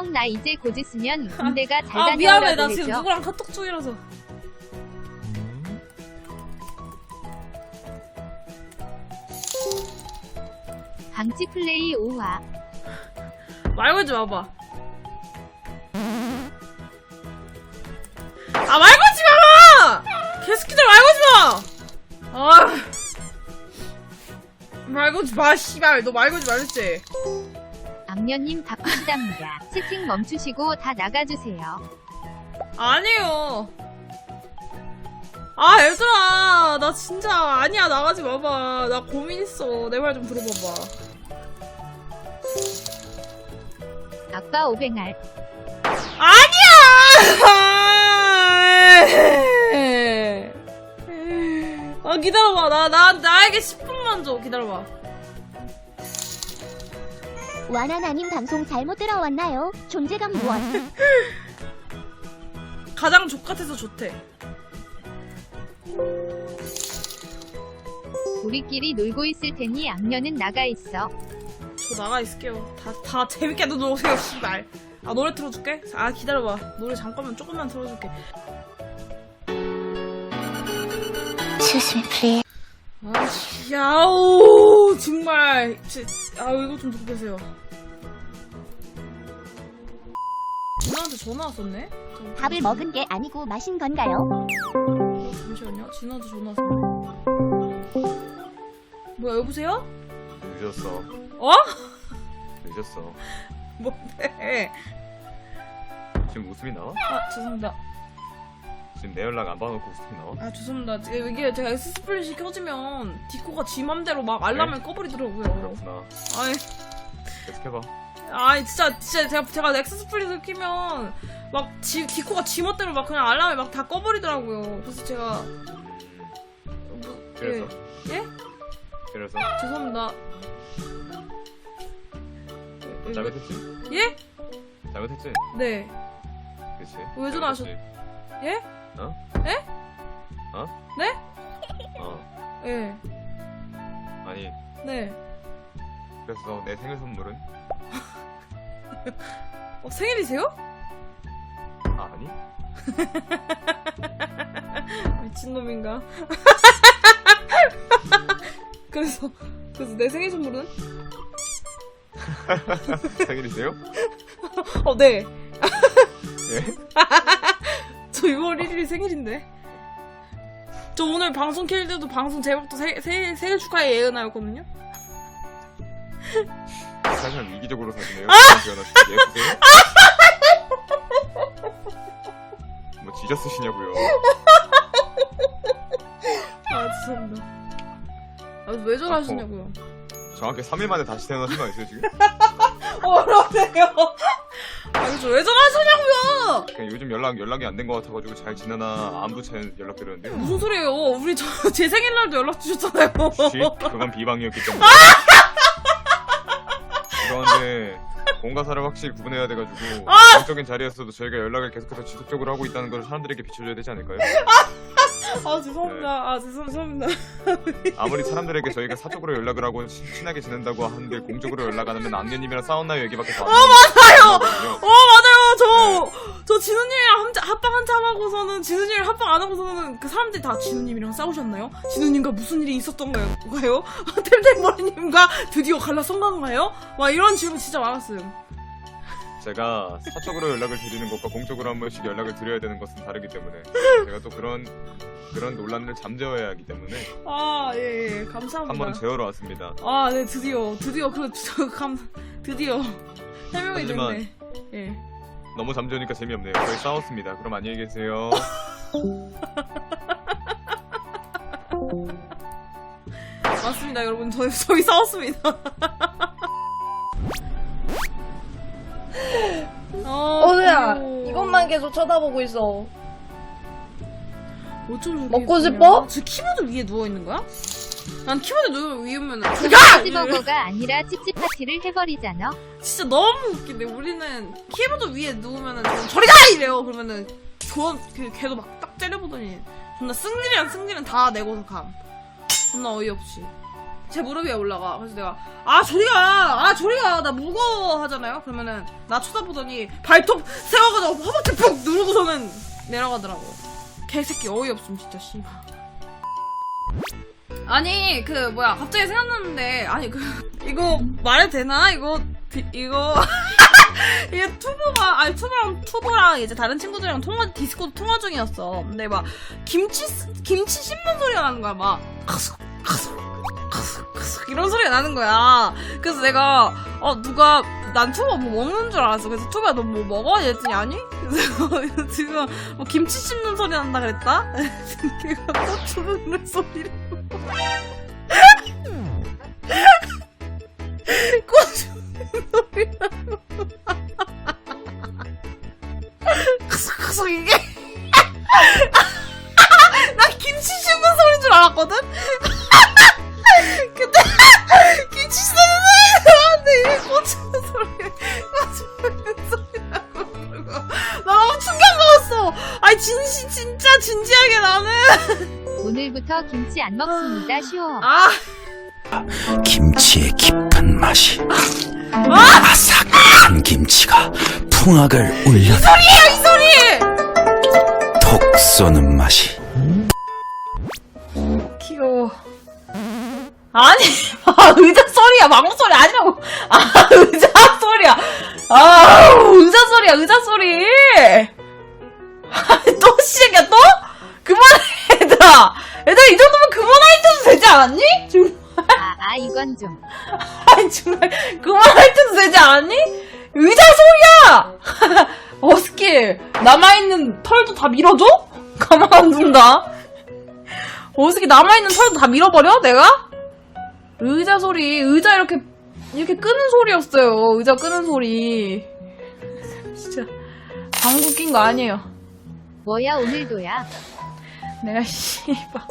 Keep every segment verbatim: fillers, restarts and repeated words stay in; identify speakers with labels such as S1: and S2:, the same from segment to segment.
S1: 형 나 이제 곧 있으면 군대가 잘
S2: 아 미안해
S1: 다녀오라고
S2: 나
S1: 해줘.
S2: 지금 누구랑 카톡 중이라서.
S1: 방치 플레이 오화.
S2: 말 걸지 마봐. 아 말 걸지 마! 개새끼들 말 걸지 마! 아. 말 걸지 마 씨발 너 말 걸지 말랬지.
S1: 악녀님 바쁘시답니다. 채팅 멈추시고 다 나가주세요.
S2: 아니에요. 아 얘들아 나 진짜 아니야 나가지 마봐. 나 고민 있어. 내 말 좀 들어봐봐.
S1: 아빠 오뱅알.
S2: 아니야! 아 기다려봐. 나, 나, 나에게 십 분만 줘. 기다려봐.
S3: 와나나님 방송 잘못 들어왔나요? 존재감 무엇?
S2: 가장 족같아서 좋대.
S1: 우리끼리 놀고 있을 테니 악녀는 나가 있어.
S2: 저 나가 있을게요. 다, 다 재밌게 놀아오세요, 씨발. 아, 노래 틀어줄게? 아, 기다려봐. 노래 잠깐만 조금만 틀어줄게.
S3: Excuse me, please.
S2: 아, 씨, 야오, 정말. 지, 아, 이거 좀 듣고 계세요. 진아한테 전화 왔었네? 잠-
S3: 밥을
S2: 잠시만요.
S3: 먹은 게 아니고 마신 건가요?
S2: 어, 잠시만요. 진아한테 전화 왔었네. 뭐야, 여보세요?
S4: 늦었어.
S2: 어?
S4: 늦었어.
S2: 뭔데?
S4: 지금 웃음이 나와?
S2: 아, 죄송합니다.
S4: 지금 내 연락 안 받아놓고 웃음이 나와?
S2: 아, 죄송합니다. 이게 제가 엑스스플릿이 켜지면 디코가 지 맘대로 막 알람을
S4: 네?
S2: 꺼버리더라고요.
S4: 그렇구나.
S2: 아이,
S4: 계속 해봐.
S2: 아이, 진짜, 진짜 제가, 제가 엑스스플릿을 키면 막 지, 디코가 지 멋대로 막 그냥 알람을 막 다 꺼버리더라고요. 그래서 제가.
S4: 음,
S2: 뭐,
S4: 그래서?
S2: 예? 예?
S4: 그래서?
S2: 죄송합니다. 예,
S4: 잘못했지?
S2: 예?
S4: 잘못했지?
S2: 네.
S4: 그치?
S2: 왜 전화하셨-
S4: 잘못했지?
S2: 예?
S4: 어?
S2: 예?
S4: 어?
S2: 네?
S4: 어.
S2: 예.
S4: 아니,
S2: 네.
S4: 그래서 내 생일 선물은?
S2: 어, 생일이세요?
S4: 아, 아니?
S2: 미친놈인가? 그래서, 그래서 내 생일 선물은?
S4: 생일이세요?
S2: 어, 네.
S4: 예?
S2: 저 유월 일일이 생일인데. 저 오늘 방송 킬 때도 방송 제목도 세, 세, 생일 축하해 예은아였거든요?
S4: 사실 이기적으로 사시네요.
S2: 아!
S4: 예쁘세요? 뭐 지저 쓰시냐고요.
S2: 아, 죄송합니다. 아, 왜 전화하셨냐고요?
S4: 정확히 삼 일 만에 다시 태어나신 거 아니세요, 지금?
S2: 어러세요? 아니, 저 왜 전화하셨냐고요?
S4: 그냥 요즘 연락, 연락이 안 된 것 같아가지고 잘 지내나 안부 차 연락드렸는데요.
S2: 무슨 소리예요? 우리 저 제 생일날도 연락 주셨잖아요.
S4: 쉿, 그건 비방이었기 때문에. 그런데 공과사를 확실히 구분해야 돼가지고 공적인 자리에서도 저희가 연락을 계속해서 지속적으로 하고 있다는 걸 사람들에게 비춰줘야 되지 않을까요?
S2: 아, 죄송합니다. 아, 죄송, 죄송합니다.
S4: 아무리 사람들에게 저희가 사적으로 연락을 하고 친- 친하게 지낸다고 하는데 공적으로 연락 안 하면 악녀님이랑 싸웠나요 얘기밖에 안
S2: 맞아요!
S4: 나오거든요.
S2: 어, 맞아요! 저, 저 진우님이랑 함- 합방 한참 하고서는, 진우님이랑 합방 안 하고서는 그 사람들이 다 진우님이랑 싸우셨나요? 진우님과 무슨 일이 있었던가요? 템템머리님과 드디어 갈라선 건가요? 막 이런 질문 진짜 많았어요.
S4: 제가 사적으로 연락을 드리는 것과 공적으로 한 번씩 연락을 드려야 되는 것은 다르기 때문에 제가 또 그런 그런 논란을 잠재워야 하기 때문에
S2: 아, 예, 예. 감사합니다.
S4: 한번 재우러 왔습니다.
S2: 아, 네, 드디어, 드디어, 그, 저, 감, 드디어. 해명이
S4: 하지만-
S2: 됐네. 예.
S4: 너무 잠재우니까 재미없네요. 저희 싸웠습니다. 그럼 안녕히 계세요.
S2: 맞습니다, 여러분. 저희, 저희 싸웠습니다. 어,
S5: 어느야
S2: 귀여워.
S5: 이것만 계속 쳐다보고 있어.
S2: 어쩜
S5: 먹고
S2: 저렇게
S5: 싶어?
S2: 예쁘냐? 저 키보드 위에 누워있는 거야? 난 키보드 누워 위에면
S1: 치즈버거가 아니라 찝찝파티를 해버리잖아.
S2: 진짜 너무 웃긴데 우리는 키보드 위에 누우면은 좀 저리 가! 이래요. 그러면은 조, 그, 걔도 막 딱 째려보더니 존나 승질이랑 승질은 다 내고서 감. 존나 어이없이. 제 무릎 위에 올라가. 그래서 내가 아 저리가 아 저리가 나 무거워 하잖아요. 그러면은 나 쳐다보더니 발톱 세워가지고 허벅지 푹 누르고서는 내려가더라고. 개새끼 어이없음 진짜 씨. 아니 그 뭐야 갑자기 생각났는데 아니 그 이거 말해도 되나 이거 비, 이거 이게 투보가 아니 투보랑 투보랑 이제 다른 친구들이랑 통화 디스코드 통화 중이었어. 근데 막 김치 김치 씹는 소리가 나는 거야. 막 카스 카스 카스 카스 이런 소리가 나는 거야. 그래서 내가 어 누가 난 투보 뭐 먹는 줄 알았어. 그래서 투보야 너 뭐 먹어? 이랬더니 아니? 그래서 지금 뭐 김치 씹는 소리 난다 그랬다? 걔가 고추 넣는 소리를 고추 넣는 소리라고 크슥크슥 이게 나 김치 씹는 소리인 줄 알았거든? 근데 김치 씹는 소리 나왔는데 이게 고추 넣는 소리 고추 넣는 소리라고 그러고 나 너무 충격 먹었어. 아니 진시 진짜 진지하게 나는
S1: 오늘부터 김치 안 먹습니다. 쉬워.
S2: 아
S6: 김치의 깊은 맛이 아삭한 김치가 풍악을 울려
S2: 소리예요 이 소리.
S6: 톡 쏘는 맛이
S2: 귀여워. 아니 아, 의자 소리야 망고 소리 아니라고. 아 의자 소리야. 아 의자 소리야 의자 소리. 아니, 또 시작이야 또? 그만해 얘들아. 얘들아 이 정도면 그만할 때도 되지 않았니? 지금
S1: 아, 아 이건 좀.
S2: 아니 정말 그만할 때도 되지 않았니? 의자 소리야. 어스킬 남아있는 털도 다 밀어줘? 가만 안 둔다. 어스킬 남아있는 털도 다 밀어버려 내가? 의자 소리 의자 이렇게 이렇게 끄는 소리였어요. 의자 끄는 소리. 진짜 방구 낀 거 아니에요.
S1: 뭐야 오늘도야.
S2: 내가 씨발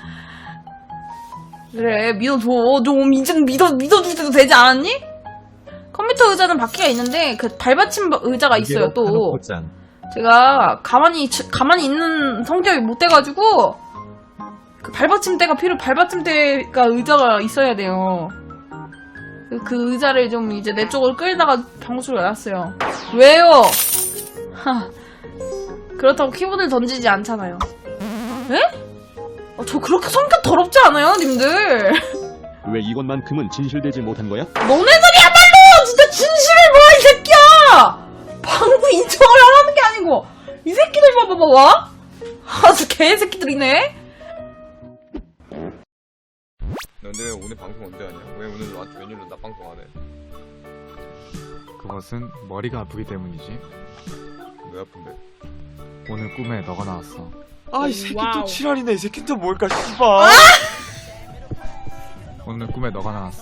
S2: 그래 믿어줘. 좀 이제 믿어 믿어줄 때도 되지 않았니? 컴퓨터 의자는 바퀴가 있는데 그 발받침 의자가 있어요. 또 제가 가만히 가만히 있는 성격이 못 돼가지고 그 발받침대가 필요 발받침대가 의자가 있어야 돼요. 그, 그 의자를 좀 이제 내 쪽으로 끌다가 방구소리가 났어요. 왜요? 하, 그렇다고 키보드를 던지지 않잖아요. 에? 어, 저 그렇게 성격 더럽지 않아요, 님들?
S7: 왜 이것만큼은 진실되지 못한 거야?
S2: 너네들이야말로 진짜 진실을 모아 이 새끼야! 방구 인정을 하라는 게 아니고 이 새끼들 봐봐봐. 아주 개새끼들이네.
S4: 근데 왜 오늘 방송 언제 하냐? 왜 오늘 와- 웬일로 나 방송 안 해?
S8: 그것은 머리가 아프기 때문이지.
S4: 왜 아픈데?
S8: 오늘 꿈에 너가 나왔어.
S9: 아 이 새끼
S2: 와우.
S9: 또 지랄이네. 이 새끼 또 뭘까 씨발.
S8: 오늘 꿈에 너가 나왔어.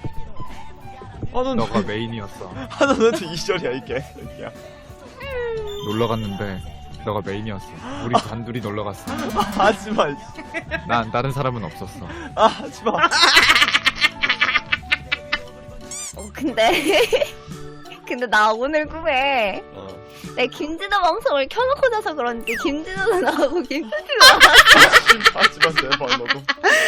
S9: 아너
S8: 너가 메인이었어.
S9: 하나 너한테 이절이야 이 개새끼야.
S8: 놀러 갔는데 너가 메인이었어. 우리 단둘이 놀러 갔어.
S9: 하지마.
S8: 난 다른 사람은 없었어.
S9: 아 하지마.
S10: 어, 근데 근데 나 오늘 꿈에
S9: 어.
S10: 내 김진호 방송을 켜놓고 자서 그런지 김진호도 나오고 김수지도 나오고
S9: 하지마 제발 너도.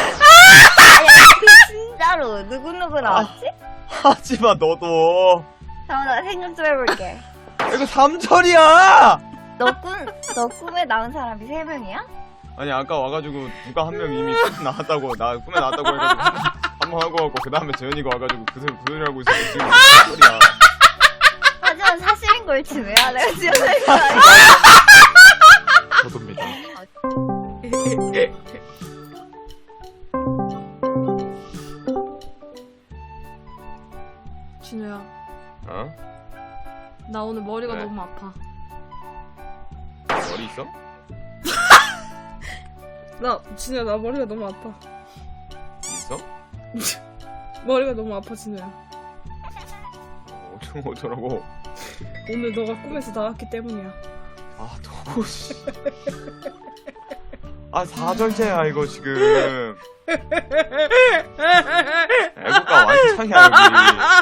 S10: 아니 진짜로 누구누구 나왔지?
S9: 하지마 너도.
S10: 잠깐만 나 생각 좀 해볼게.
S9: 이거 삼절이야.
S10: 너 꿈, 너 꿈에 나온 사람이 세 명이야?
S4: 아니 아까 와가지고 누가 한 명 이미 꿈에 나왔다고 나 꿈에 나왔다고 해가지고 한 번 하고 가고 그 다음에 재현이가 와가지고 그 소리 그 소리 하고 있었는데 지금 무슨 소리야.
S10: 하지만 사실인 걸 지내야 내가 지어낼 거 아니야?
S8: 저도입니다.
S2: 진우야,
S4: 어?
S2: 나 오늘 머리가
S4: 왜?
S2: 너무 아파.
S4: 머리 있어?
S2: 나 진우야, 나 머리가 너무 아파.
S4: 있어?
S2: 머리가 너무 아파 진우야.
S4: 어쩌 어쩌라고?
S2: 오늘 너가 꿈에서 나왔기 때문이야.
S4: 아 너무 씨. 아 사절째야 이거 지금. 애국가 완창이야 여기.